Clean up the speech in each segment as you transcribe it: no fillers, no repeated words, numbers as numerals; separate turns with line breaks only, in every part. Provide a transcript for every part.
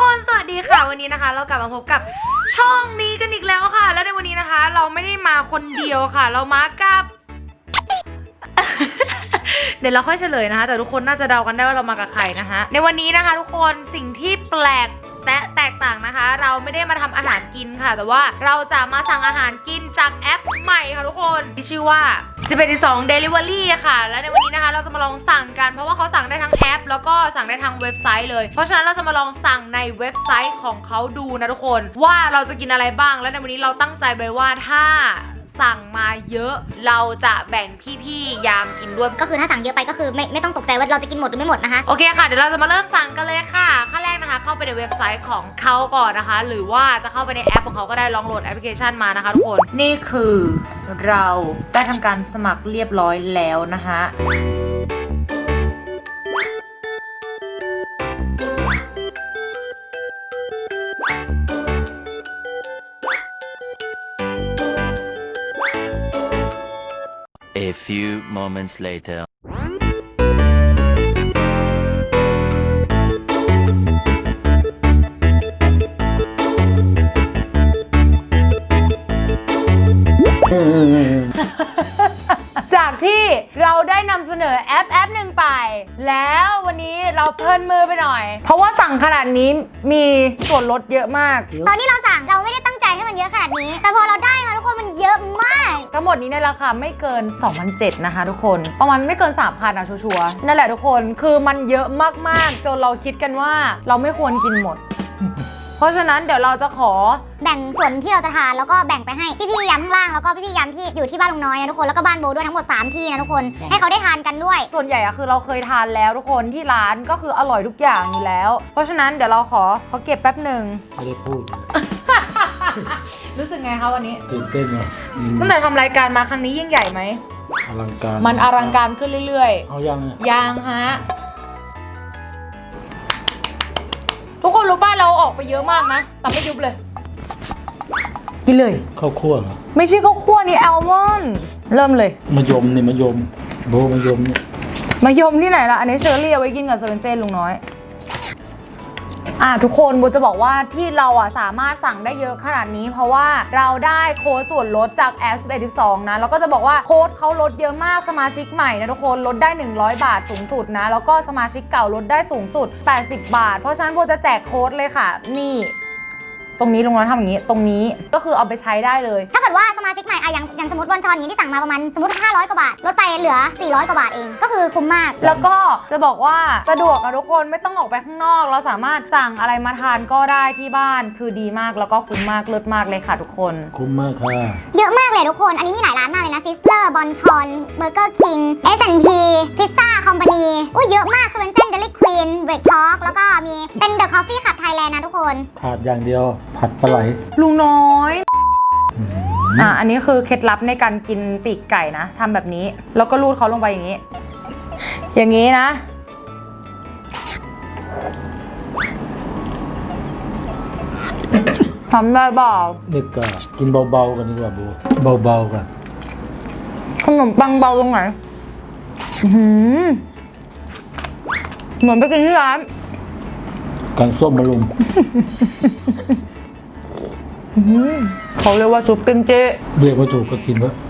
คนสวัสดีค่ะวันนี้นะคะเรากลับมาพบกับช่องนี้กันอีกแล้วค่ะและในวันนี้นะคะเราไม่ได้มาคนเดียวค่ะเรามากับ เดี๋ยวเราค่อยเฉลยนะคะแต่ทุกคนน่าจะเดากันได้ว่าเรามากับใครนะคะในวันนี้นะคะทุกคนสิ่งที่แปลกและแตกต่างนะคะเราไม่ได้มาทำอาหารกินค่ะแต่ว่าเราจะมาสั่งอาหารกินจากแอปใหม่ค่ะทุกคนที่ชื่อว่า1112 Delivery ค่ะและในวันนี้นะคะเราจะมาลองสั่งกันเพราะว่าเขาสั่งได้ทั้งแอปแล้วก็สั่งได้ทั้งเว็บไซต์เลยเพราะฉะนั้นเราจะมาลองสั่งในเว็บไซต์ของเขาดูนะทุกคนว่าเราจะกินอะไรบ้างและในวันนี้เราตั้งใจไว้ว่าถ้าสั่งมาเยอะเราจะแบ่งพี่ๆยามกินด้วย
ก็คือถ้าสั่งเยอะไปก็คือไม่ต้องตกใจว่าเราจะกินหมดหรือไม่หมดนะคะ
โอเคค่ะเดี๋ยวเราจะมาเริ่มสั่งกันเลยค่ะขั้นแรกนะคะเข้าไปในเว็บไซต์ของเขาก่อนนะคะหรือว่าจะเข้าไปในแอปของเขาก็ได้ลองโหลดแอปพลิเคชันมานะคะทุกคนนี่คือเราได้ทำการสมัครเรียบร้อยแล้วนะคะ
A few moments later.
จากที่เราได้นำเสนอแอปหนึ่งไปแล้ววันนี้เราเพลินมือไปหน่อยเพราะว่าสั่งขนาดนี้มีส่วนลดเยอะมาก
ตอนที่เราสั่งเราไม่ได้ตั้งใจให้มันเยอะขนาดนี้แต่พอเราได้มาทุกคนมันเยอะมาก
ทั้งหมดนี้ในราคาไม่เกิน 2,700 นะคะทุกคนประมาณไม่เกิน 3,000 นะชัวร์ๆนั่นแหละทุกคนคือมันเยอะมากๆจนเราคิดกันว่าเราไม่ควรกินหมด เพราะฉะนั้นเดี๋ยวเราจะขอ
แบ่งส่วนที่เราจะทานแล้วก็แบ่งไปให้พี่ๆย้ำข้างล่างแล้วก็พี่ๆย้ำที่อยู่ที่บ้านลุงน้อยนะทุกคนแล้วก็บ้านโบด้วยทั้งหมด3ที่นะทุกคนให้เขาได้ทานกันด้วย
ส่วนใหญ่อะคือเราเคยทานแล้วทุกคนที่ร้านก็คืออร่อยทุกอย่างอยู่แล้วเพราะฉะนั้นเดี๋ยวเราขอเก็บแป๊บหนึ่ง
ไม่ได้พูด
รู้สึกไงคะวันนี้
ตื่นเต้นเหรอ
ตั้งแต่ทำรายการมาครั้งนี้ยิ่งใหญ่ไหม
อลังการ
มันอลังการขึ้นเรื่อย
ๆเอา
ยังฮะทุกคนรู้ป่ะเราออกไปเยอะมากนะแต่ไม่ยุบเลยกินเลย
ข้าวคั่วเหรอ
ไม่ใช่ข้าวคั่วนี่แอลมอนด์เริ่มเลย
มะยมนี่มะยมโบมะยมเนี่ย
มะยมที่ไหนล่ะอันนี้เชอร์รี่เอาไว้กินกับเซเว่นเซ่ลุงน้อยทุกคนโบจะบอกว่าที่เราสามารถสั่งได้เยอะขนาดนี้เพราะว่าเราได้โค้ดส่วนลดจากแอป1112นะแล้วก็จะบอกว่าโค้ดเขาลดเยอะมากสมาชิกใหม่นะทุกคนลดได้100 บาทสูงสุดนะแล้วก็สมาชิกเก่าลดได้สูงสุด80 บาทเพราะฉะนั้นโบจะแจกโค้ดเลยค่ะนี่ตรงนี้ลุงน้อยทำอย่างนี้ตรงนี้ก็คือเอาไปใช้ได้เลย
ถ้าเกิดว่าสมาชิกใหม่อย่างสมมติวันชอนนี้ที่สั่งมาประมาณสมมติ500 กว่าบาทลดไปเหลือ400 กว่าบาทเองก็คือคุ้มมาก
แล้วก็จะบอกว่าสะดวกนะทุกคนไม่ต้องออกไปข้างนอกเราสามารถสั่งอะไรมาทานก็ได้ที่บ้านคือดีมากแล้วก็คุ้มมากเลิศมากเลยค่ะทุกคน
คุ้มมากค่ะ
เยอะมากเลยทุกคนอันนี้มีหลายร้านมากเลยนะซิสเลอร์บอนชอนเบอร์เกอร์คิง S&P พิซซ่าคอมพานีเยอะมากคือเป็นเส้นเดลิควีนเบรกทอล์กแล้วก็มีเป็นเดอะคอฟฟี่ขับไทยแลนด์นะทุกคน
ขาดอย่างเดียวผัดปลาไหล
ลุงน้อยอันนี้คือเคล็ดลับในการกินปีกไก่นะทำแบบนี้แล้วก็รูดเขาลงไปอย่างนี้นะทำได้เปล่า
นี่ก็กินเบาๆกันดีกว่าบูเบาๆกัน
ขนมปังเบาตรงไหนเหมือนไปกินที่ร้าน
กันส้มมะลุม
เขาเรียกว่าซุปกิมจิ
เรียกว่าถูกก็กินวะ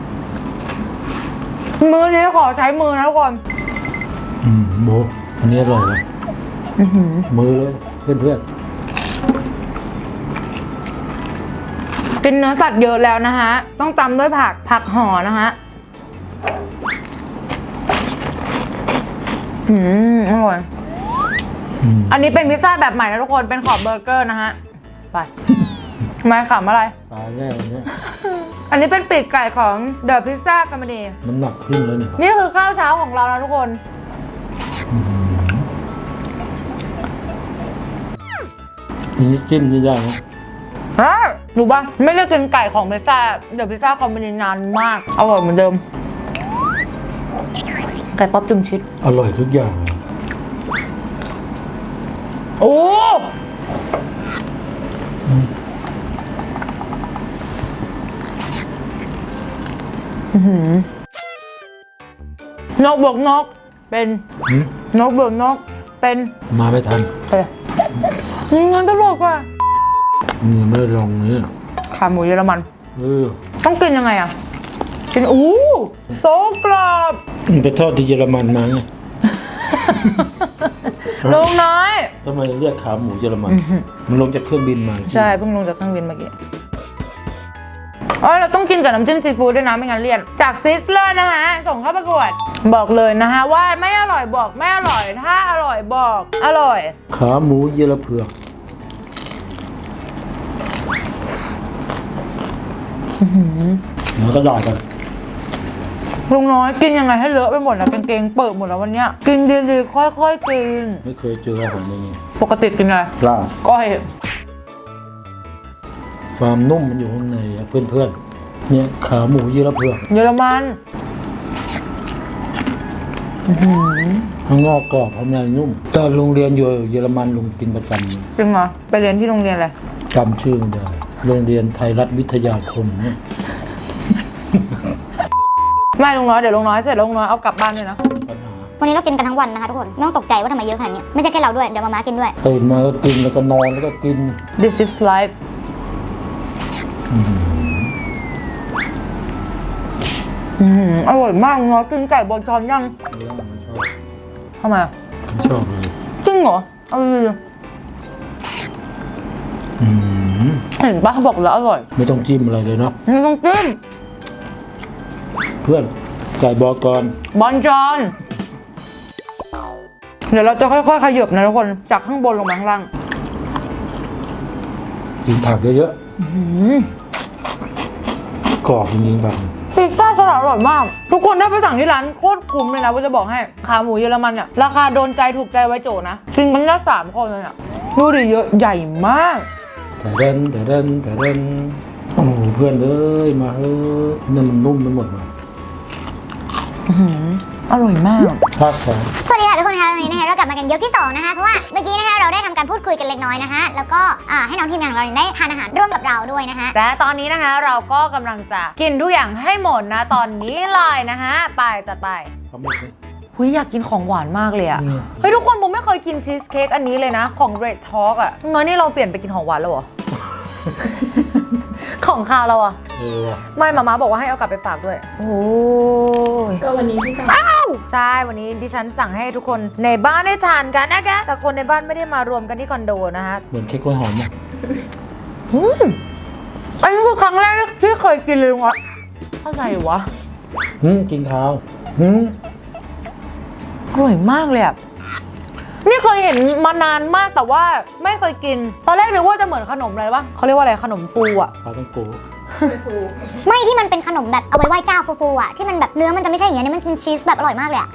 มือนี้ขอใช้มือนะทุกคน
โบอันนี้อร่อยเลยมือเลยเพื่อน
กินเนื้อสัตว์เยอะแล้วนะฮะต้องตำด้วยผักห่อนะฮะอร่อยอันนี้เป็นพิซซ่าแบบใหม่นะทุกคนเป็นขอบเบอร์เกอร์นะฮะไปไม่ขำอะไร
ตายแน่วันนี้
อันนี้เป็นปีกไก่ของเดอะพิซซ่าคอมพานี
มันหนักขึ้นแล้วเนี่ย
นี่คือข้าวเช้าของเรานะทุกคน
นี่จิ้มได้ยัง
รู้ป่ะไม่ได้กินไก่ของพิซซ่าเดอะพิซซ่าคอมพานีนานมากอร่อยเหมือนเดิมไก่ป๊อปจุ่มชีส
อร่อยทุกอย่าง
โอ้นกบวกนกเป็นนกบวกนกเป็น
มาไม่ทัน
งั้นตลกว่ะ
นี่ไม่ลองเนี่ย
ขาหมูเยอรมัน
อ
ต้องกินยังไงอ่ะกินโซกรอบ
มันไปทอดที่เยอรมันมาไง
ลุงน้อย
ทำไมเรียกขาหมูเยอรมัน มันลงจากเครื่องบินมา
ใช่เพิ่งลงจากเครื่องบินเมื่อกี้เราต้องกินกับน้ำจิ้มซีฟู้ดด้วยนะไม่งั้นเลี่ยนจากซิสเลอร์นะคะส่งเข้าประกวดบอกเลยนะคะว่าไม่อร่อยบอกไม่อร่อยถ้าอร่อยบอกอร่อย
ขาหมูเยอรเผือกแล้วก็ด่ากัน
ลุงน้อยกินยังไงให้เลอะไปหมดนะกางเกงเปิดหมดแล้ววันเนี้ยกินดีๆค่อยๆกิน
ไม่เคยเจออาหารอย่างนี้
ปกติกินอะไร
ปลา
ก้อย
ความนุ่มมันอยู่ข้างในอะเพื่อนๆเนี่ยขาหมูเยอรเผือก
เยอรมัน
ข้างนอกกรอบข้างในนุ่มตอนโรงเรียนอยู่เยอรมันลุงกินประจ
จริงเหรอไปเรียนที่โรงเรียนอะไร
ำจำชื่อไม่ได้โรงเรียนไทยรัฐวิทยาคมเนี่ย
ไม่ลุงน้อยเดี๋ยวลุงน้อยเสร็จแล้วลุงน้อยเอากลับบ้านด้วยนะ
ปัญหา
วันนี้เรากินกันทั้งวันนะคะทุกคนไม่ต้องตกใจว่าทำไมเยอะขนาดนี้ไม่ใช่แค่เราด้วยเดี๋ยวมาม่ากินด้วย
ตื่นมาก็กินแล้วก็นอนแล้วก็กิน
This is life อร่อยมากลุงน้อยกินไก่บนช้อนยังทำไมอะ
ไม่ชอบเลย
จริงเหรอเอาเลย เห็นปะบอกแล้วอร่อย
ไม่ต้องจิ้มอะไรเลยเนาะ
ไม่ต้องจิ้ม
เพื่อนไก่บอกก่อน
บอลจอนเดี๋ยวเราจะค่อยๆขยับนะทุกคนจากข้างบนลงมาข้างล่าง
กินผักเยอะๆกรอบจริงๆแบบ
ซีซ่าสลัดอร่อยมาก ทุกคนถ้าไปสั่งที่ร้านโคตรคุ้มเลยนะว่าจะบอกให้ขาหมูเยอรมันเนี่ยราคาโดนใจถูกใจไว้โจนะกินกันได้3 คนเลยอ่ะดูดิเยอะใหญ่มาก
แต่เดินโอ้โหเพื่อนเอ้ยมาเฮ้ยเนี่ยมันนุ่มไปหมดเลย
อร่อยมาก
ภาค
สวัสดีค่ะทุกคนค่ะวันนี้นะคะเรากลับมากันยกที่2นะคะเพราะว่าเมื่อกี้นะคะเราได้ทำการพูดคุยกันเล็กน้อยนะคะแล้วก็ให้น้องทีมงานของเราได้ทานอาหารร่วมกับเราด้วยนะคะ
และตอนนี้นะคะเราก็กำลังจะกินทุกอย่างให้หมดนะตอนนี้เลยนะคะไปจัดไป
ทำหมดไหม
หุยอยากกินของหวานมากเลยอะ
อืม
เฮ้ยทุกคนผมไม่เคยกินชีสเค้กอันนี้เลยนะของ Red Talk อะน้อยนี่เราเปลี่ยนไปกินของหวานแล้วเหรอ ของคาวเราอะ
ว่ะ
ไม่มาม่าบอกว่าให้เอากลับไปฝากด้วย โอ้ย
ก็วันนี้พี่สาว
อ้าวใช่วันนี้ดิฉันสั่งให้ทุกคนในบ้านได้ทานกันนะคะแต่คนในบ้านไม่ได้มารวมกันที่คอนโดนะคะ
เหมือนเค้กกล้วยหอมอ่ะ
อันนี้คือครั้งแรกที่เคยกินเลยลุงอะอะไรวะ
กินข้าว
อร่อยมากเลยอะนี่เคยเห็นมานานมากแต่ว่าไม่เคยกิน ตอนแรกนึกว่าจะเหมือนขนมอะไรวะเขาเรียกว่าอะไรขนมฟูอะ
ปลาต้องโก
ไม่ที่มันเป็นขนมแบบเอาไว้ไหว้เจ้าฟูๆอ่ะที่มันแบบเนื้อมันจะไม่ใช่อย่างเงี้ยนี่มันเป็นชีสแบบอร่อยมากเลยอ่ะ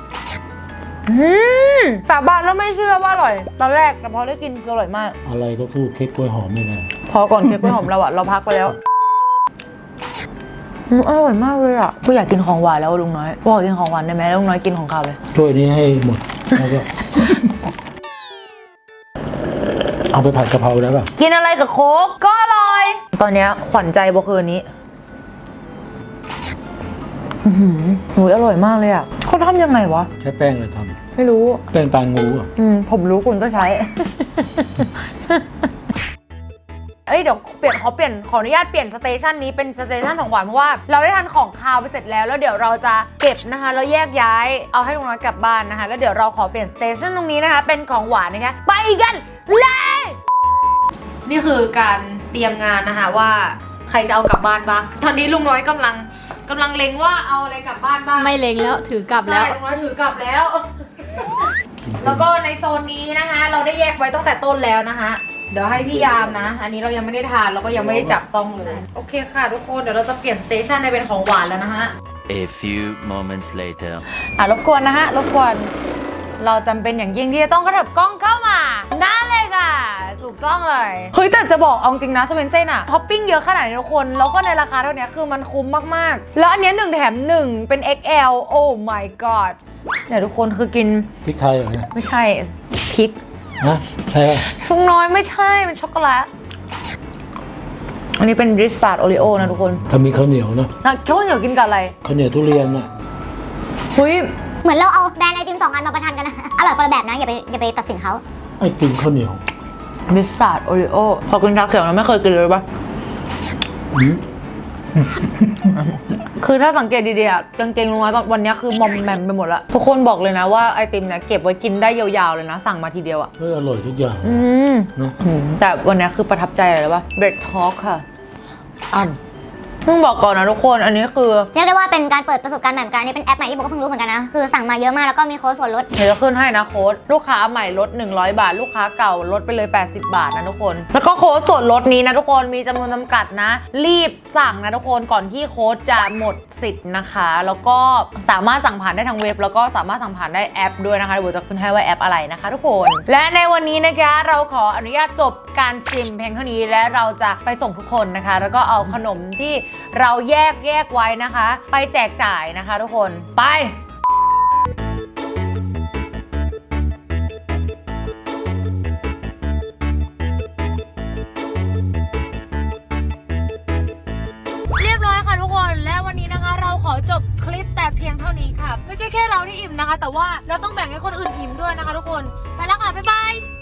สาบานแล้วไม่เชื่อว่าอร่อย ตอนแรกแต่พอได้กินคืออร่อยมาก
อะไรก็สู้เค้กกล้วยหอมไม่ได้
พอก่อนเค้กกล้วยหอมเราอะเราพักไปแล้วอร่อยมากเลยอะกูอยากกินของหวานแล้วลุงน้อยบอกกินของหวานได้ไหมลุงน้อยกินของข้าวเลย
ถ้วยนี้ให้หมดแล้วก็ เอาไปผัดกะเพราได้ป่ะ
กินอะไรกับโค้กก็อร่อย ตอนเนี้ยขวัญใจโบคืนนี้หนูอร่อยมากเลยอะเขาทำยังไงวะ
ใช้แป้งอะไรท
ไม่รู้
ำแป้งตางูอ่ะ
ผมรู้คุณก็ใช้ เอ้ยเดี๋ยวขออนุญาตเปลี่ยนสเตชันนี้เป็นสเตชันของหวานเพราะว่าเราได้ทานของคาวไปเสร็จแล้วแล้วเดี๋ยวเราจะเก็บนะคะแล้วแยกย้ายเอาให้ลุงน้อยกลับบ้านนะคะแล้วเดี๋ยวเราขอเปลี่ยนสเตชันตรงนี้นะคะเป็นของหวานนะคะไปกันเลยนี่คือการเตรียมงานนะคะว่าใครจะเอากลับบ้านบ้างตอนนี้ลุงน้อยกำลังเล็งว่าเอาอะไรกลับบ้านบ้าง
ไม่เล็งแล้วถือกลับแล้ว
ใช่ลุงน้อยถือกลับแล้ว แล้วก็ในโซนนี้นะคะ เราได้แยกไว้ตั้งแต่ต้นแล้วนะคะ เดี๋ยวให้พี่ยามนะ อันนี้เรายังไม่ได้ทานแล้วก็ยังไม่ได้จับต้องเลย โอเคค่ะทุกคนเดี๋ยวเราจะเปลี่ยนสเตชันในเป็นของหวานแล้วนะฮะ
A few moments later.
รบกวนนะฮะรบกวนเราจำเป็นอย่างยิ่งที่จะต้องกระเถิบกล้องเข้ามาได้เลยค่ะถูกต้องเลยเฮ้ยแต่จะบอกเอาจริงนะสเวนเซ่นอะท็อปปิ้งเยอะขนาดนี้ทุกคนแล้วก็ในราคาเท่านี้คือมันคุ้มมากๆแล้วอันเนี้ย1 แถม 1เป็น XL โอ้ my god เนี่ยทุกคนคือกิน
พริกไทยเหรอเนี่ย
ไม่ใช่พริก
ฮะใช่ป่ะ
ลุงน้อยไม่ใช่เป็นช็อกโกแลตอันนี้เป็นริซาร์ดโอริโอนะทุกคน
ถ้ามีข้าวเหนียวเนาะ
นะข้าวเหนียวกินกับอะไร
ข้าวเหนียวทุเรียนน่ะ
เฮ้ย
เหมือนเราเอาแบรนด์ไอติม2 อันมาประชันกันนะอร่อยคนละแบบนะอย่าไปตัดสินเขา
ไอติมข้าวเหนียว
มิสซาร์ดโอริโอพอกินชาเขียวเราไม่เคยกินเลยปะ
อืม
คือถ้าสังเกตดีๆอะกางเกงลุงน้อยตอนวันนี้คือมอมแมมไปหมดละทุกคนบอกเลยนะว่าไอติมเนี่ยเก็บไว้กินได้ยาวๆเลยนะสั่งมาทีเดียวอะ
อร่อยทุกอย่าง เนอะ
แต่วันนี้คือประทับใจอะไรวะเบรกทอล์กค่ะต้องบอกก่อนนะทุกคนอันนี้คือ
เรียกได้ว่าเป็นการเปิดประสบการณ์ใหม่เหมือนกันนี่เป็นแอปใหม่ที่โบก็เพิ่งรู้เหมือนกันนะคือสั่งมาเยอะมากแล้วก็มีโค้ดส่วนลด
เดี๋ยวจะขึ้นให้นะโค้ดลูกค้าใหม่ลด100 บาท ลูกค้าเก่าลดไปเลย80 บาทนะทุกคนแล้วก็โค้ดส่วนลดนี้นะทุกคนมีจำนวนจำกัดนะ รีบสั่งนะทุกคนก่อนที่โค้ดจะหมดสิทธิ์นะคะแล้วก็สามารถสั่งผ่านได้ทางเว็บแล้วก็สามารถสั่งผ่านได้แอปด้วยนะคะเดี๋ยวโบจะขึ้นให้ว่าแอปอะไรนะคะทุกคนและในวันนี้นะคะเราขออนุญาตจบการชิมเพียงเท่านี้และเราจะไปส่งทุกคนนะคะแล้วก็เอาขนมที่เราแยกไว้นะคะไปแจกจ่ายนะคะทุกคนไปเรียบร้อยค่ะทุกคนและวันนี้นะคะเราขอจบคลิปแต่เพียงเท่านี้ค่ะไม่ใช่แค่เราที่อิ่มนะคะแต่ว่าเราต้องแบ่งให้คนอื่นอิ่มด้วยนะคะทุกคนไปแล้วค่ะบ๊ายบาย